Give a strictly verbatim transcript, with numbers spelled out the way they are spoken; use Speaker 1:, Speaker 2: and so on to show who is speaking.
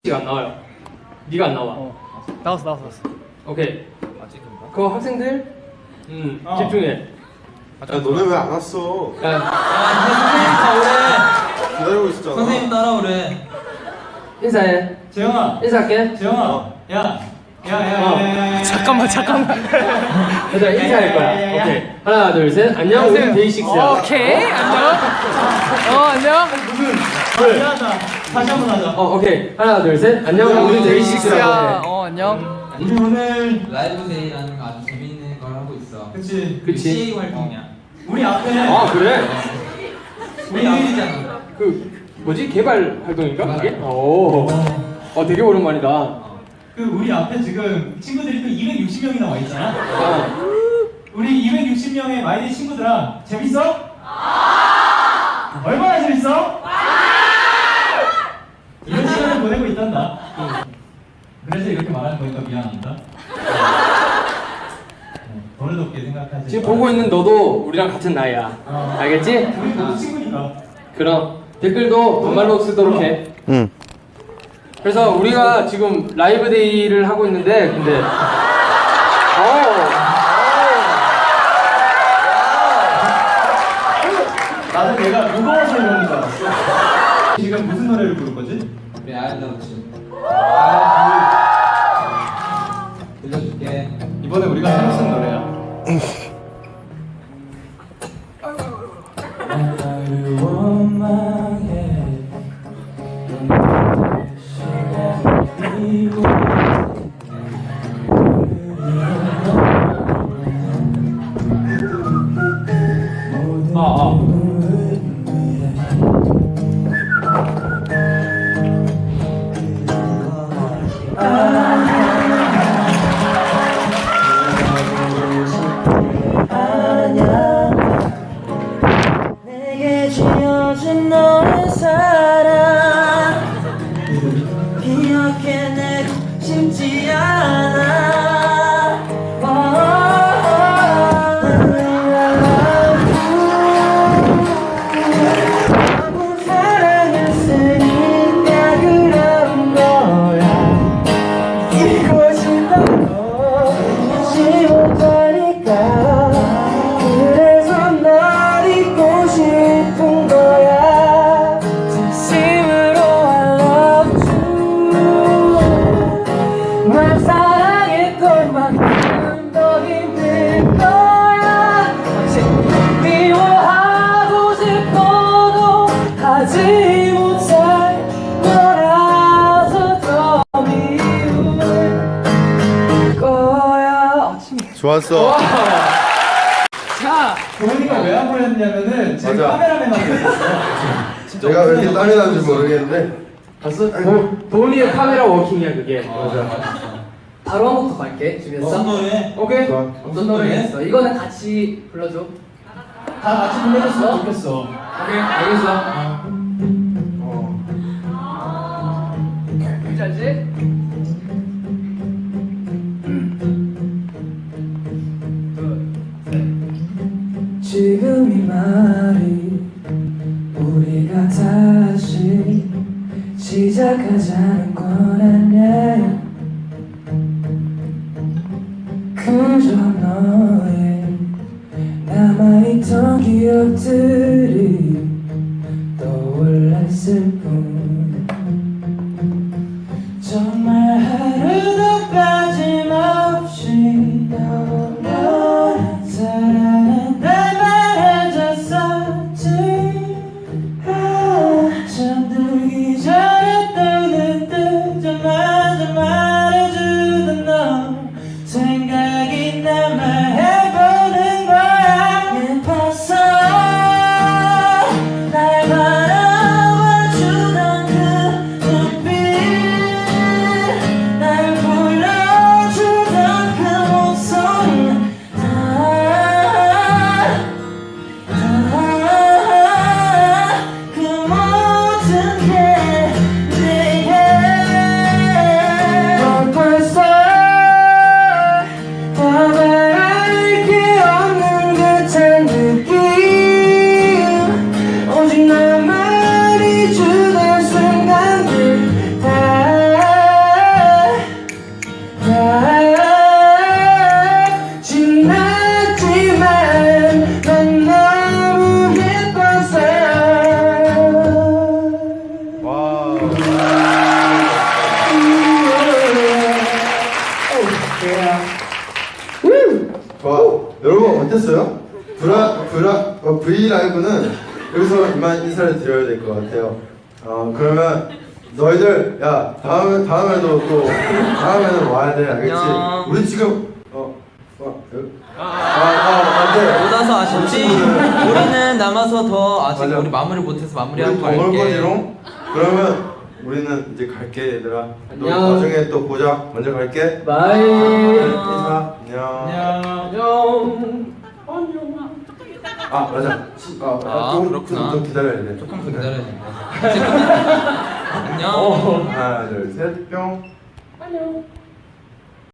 Speaker 1: 안 나와요. 네가 안 나와.
Speaker 2: 어. 나왔어 나왔어 나왔어.
Speaker 1: 오케이. 그 학생들, 음 어. 집중해.
Speaker 3: 야 너네 왜 안 왔어?
Speaker 1: 야,
Speaker 4: 선생님 따라오래.
Speaker 3: 기다리고 있었잖아.
Speaker 4: 선생님 따라오래.
Speaker 1: 인사해.
Speaker 4: 재영아.
Speaker 1: 인사할게.
Speaker 4: 재영아. 야. 야야야야야.
Speaker 2: 잠깐만 잠깐만.
Speaker 1: 얘들아 인사할 거야. 오케이. 하나 둘 셋. 안녕. 우리 데이식스야.
Speaker 2: 오케이 안녕. 어 안녕.
Speaker 4: 무슨? 미안하다. 다시 한 번 하자.
Speaker 1: 어 오케이. 하나 둘 셋. 안녕. 우리 데이식스라고 해.
Speaker 2: 어 안녕.
Speaker 4: 우리 오늘
Speaker 5: 라이브 데이라는 거 아주 재밌는 걸 하고 있어.
Speaker 4: 그치.
Speaker 1: 그치.
Speaker 5: 씨에이 활동이야.
Speaker 4: 우리 앞에.
Speaker 1: 아 그래?
Speaker 4: 우리
Speaker 5: 일이잖아.
Speaker 1: 그 뭐지 개발 활동인가 그게? 오. 어 되게 오랜만이다.
Speaker 4: 그 우리 앞에 지금 친구들이 또 이백육십 명이나 와 있잖아.
Speaker 1: 어.
Speaker 4: 우리 이백육십 명의 마이데이 친구들아 재밌어? 얼마나 재밌어? 이런 시간을 보내고 있단다. 그래서 이렇게 말하는 거니까 미안합니다. 버릇없게 생각하지.
Speaker 1: 지금 보고 있는 너도 우리랑 같은 나이야.
Speaker 4: 어.
Speaker 1: 알겠지?
Speaker 4: 우리 모두 친구니까.
Speaker 1: 그럼 댓글도 반말로 쓰도록 해.
Speaker 3: 응.
Speaker 1: 그래서 우리가 지금 라이브 데이를 하고 있는데 근데 어.
Speaker 4: 나는 내가 무거워서 이러는 줄 알았어. 지금 무슨 노래를 부를 거지?
Speaker 5: 우리 아이들한테
Speaker 4: 아,
Speaker 5: 들려줄게.
Speaker 4: 이번에 우리가 새로 쓴 노래야.
Speaker 1: 아, 아.
Speaker 6: 내게 지어준 너의 사랑 기억해내고 싶지 않아. 너무 사랑했으니까 그런 거야. 잊고 싶어도 잊지 못하니까 그래서 널 잊고 싶은 거야. 진심으로 I love you. 날 사랑했던 만큼 더 힘들 거야. 아직 미워하고 싶어도 하지 못할 거라서 더 미울 거야.
Speaker 3: 좋았어.
Speaker 2: 자
Speaker 4: 도훈이가 왜 안 보였냐면은 제
Speaker 3: 맞아.
Speaker 4: 카메라맨한테 있었어.
Speaker 3: 내가 왜 이렇게 땀이 나는지 모르겠는데.
Speaker 1: 봤어? 도, 도훈이의 카메라 워킹이야 그게. 맞아.
Speaker 7: 바로 한 곡 더 갈게. 준비했어?
Speaker 4: 무슨 노래?
Speaker 1: 오케이.
Speaker 3: 좋아.
Speaker 7: 어떤 노래겠어? 이거는 같이 불러줘.
Speaker 4: 다 같이 불러줬으면 좋겠어.
Speaker 7: 오케이, 알겠어. 뭔지 알지?
Speaker 6: 지금 이 말이 우리가 다시 시작하자는 건 아니야. 그저 너의 남아있던 기억들이 떠올랐을 뿐. 정말 하루도 빠짐없이 너를 사랑한다 말해줬었지. 아, 잠들기 전에 떠는 뜨자마자 말해주던 너 생각이 남아 해보는 거야. 예뻤어 날 바라봐주던 그 눈빛. 난
Speaker 3: 못했어요? 브라 브라 어, V 라이브는 여기서 이만 인사를 드려야 될 것 같아요. 어 그러면 너희들 야 다음에 다음에도 또 다음에는 와야 돼 알겠지?
Speaker 5: 안녕.
Speaker 3: 우리 지금 어 어, 아아 안돼.
Speaker 5: 못 와서 아쉽지? 우리는 남아서 더 아직
Speaker 3: 맞아.
Speaker 5: 우리 마무리 못해서
Speaker 3: 우리
Speaker 5: 마무리하고
Speaker 3: 더 먹을
Speaker 5: 갈게.
Speaker 3: 거지롱? 그러면 우리는 이제 갈게 얘들아. 또
Speaker 7: 안녕.
Speaker 3: 나중에 또 보자. 먼저 갈게.
Speaker 7: 바이.
Speaker 3: 인사. 안녕.
Speaker 7: 안녕.
Speaker 3: 아 맞아. 시- 아,
Speaker 5: 아,
Speaker 3: 좀,
Speaker 5: 그렇구나.
Speaker 3: 좀, 좀 기다려야 돼.
Speaker 5: 조금 기다려야 된다. 안녕.
Speaker 3: 하나 둘 셋 뿅.
Speaker 7: 안녕.